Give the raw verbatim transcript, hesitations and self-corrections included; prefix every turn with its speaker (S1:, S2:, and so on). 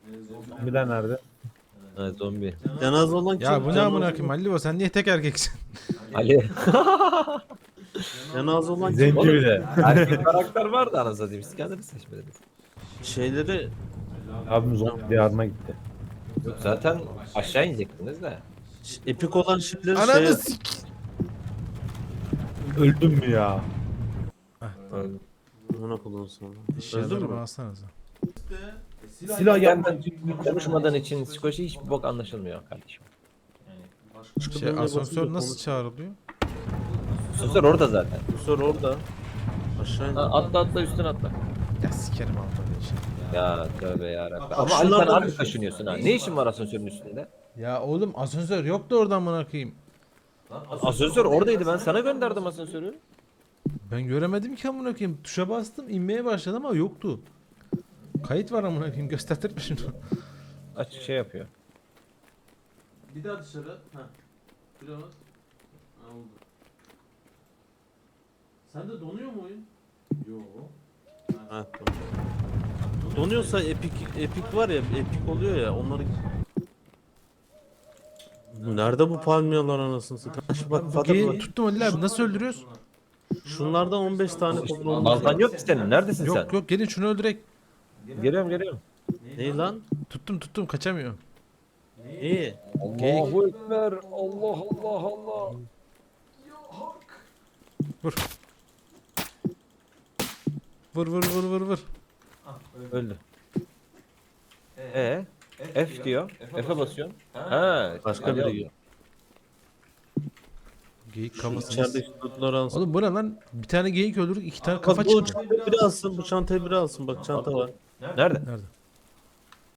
S1: Zombiler nerede?
S2: Ha, zombi.
S3: Cenaze olan kim?
S4: Ya bu ne
S3: Cenaze-
S4: amına koyayım Halil, sen niye tek erkeksin?
S2: Ali.
S3: Cenaze olan kim?
S1: Zenci bir de.
S2: Erkek karakter vardı anasını satayım. Siz kendiniz seçmediniz.
S3: Şeyleri
S1: Abim zombi diyarına gitti.
S2: Yok zaten aşağı inecektiniz de.
S3: epik olan şeyleri
S4: Ananı
S3: şey...
S4: sik.
S1: Öldüm mü ya?
S2: Öyle.
S3: Buna kullan sonra. Öldün
S4: Eşyalarımı
S3: mü?
S4: alsanıza.
S1: Silah
S2: Ben
S1: yapma.
S2: konuşmadan için psikoloji hiçbir bok anlaşılmıyor kardeşim.
S4: Şey, asansör nasıl çağrılıyor?
S2: Susur orada zaten.
S3: Sor orada. Aşağı in.
S2: Ha, atla atla üstüne atla.
S4: Ya sikerim altını için.
S2: Ya tövbe yarabbim.
S3: Bak,
S2: Ama Ali sen
S3: şunlardan
S2: abi
S3: düşün.
S2: kaşınıyorsun ha. Ne işin var asansörün üstünde?
S4: Ya oğlum asansör yoktu oradan amına koyayım.
S2: Asansör oradaydı, ben sana gönderdim asansörü.
S4: Ben göremedim ki amına koyayım. Tuşa bastım, inmeye başladım ama yoktu. Kayıt var amına koyayım, göstertirme şunu.
S2: Aç şey yapıyor.
S3: Bir daha dışarı. Ha. Biraz. Ha, oldu. Sende donuyor mu oyun? Yok. Ha, tamam. Donuyorsa epik epik var ya, epik oluyor ya, onları. Nerede bu palmiyeler anasını satayım? Şu bak Fatih
S4: Geyi
S3: bak.
S4: tuttum Halil abi, nasıl öldürüyoruz?
S3: Şunlardan on beş tane toplamamız
S2: Baltan
S3: lazım.
S2: yok ki senin. Neredesin
S4: Yok
S2: sen?
S4: yok, gelin şunu öldürek.
S2: Geliyorum geliyorum.
S3: Ne lan?
S4: Tuttum tuttum, kaçamıyor.
S3: İyi.
S2: Allahu Ekber. Allah Allah Allah.
S4: Vur vur vur vur vur.
S2: Öldü. Ee, F diyor. F'e basıyorsun. Ha,
S3: Başka
S2: Ali
S3: biri
S2: alıyor.
S3: yiyor.
S4: Geyik kafasını.
S3: İçeride işte tutları alsın.
S4: Oğlum bu ne lan? Bir tane geyik öldürdük, iki tane
S3: Bak
S4: kafa
S3: bu
S4: çıktı.
S3: çantayı biri alsın, bu çantayı biri alsın. Bak çanta var.
S2: Nerede?
S4: Nerede?